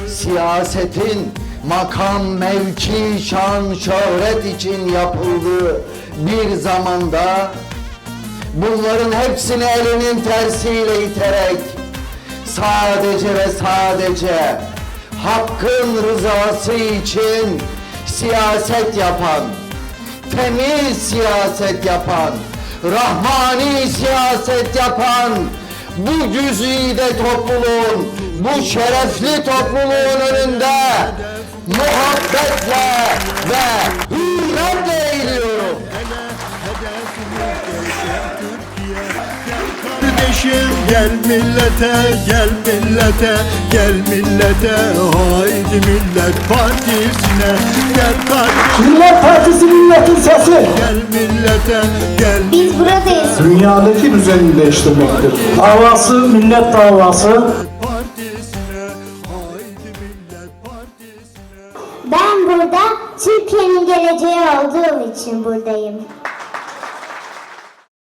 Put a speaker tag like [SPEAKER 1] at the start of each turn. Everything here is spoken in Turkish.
[SPEAKER 1] siyasetin makam, mevki, şan, şöhret için yapıldığı bir zamanda bunların hepsini elinin tersiyle iterek sadece ve sadece hakkın rızası için siyaset yapan, temiz siyaset yapan, rahmani siyaset yapan bu güzide topluluğun, bu şerefli topluluğun önünde muhabbetle ve hürmetle eğiliyorum.
[SPEAKER 2] Kardeşim gel millete, gel millete, gel millete, haydi Millet Partisi'ne, gel kardeşim.
[SPEAKER 3] Millet Partisi milletin sesi.
[SPEAKER 2] Gel millete, gel.
[SPEAKER 4] Biz buradayız.
[SPEAKER 3] Dünyadaki düzeni değiştirmektir. Davası millet davası.
[SPEAKER 2] Partisine, haydi Millet Partisi'ne.
[SPEAKER 4] Ben burada Türkiye'nin geleceği olduğum için buradayım.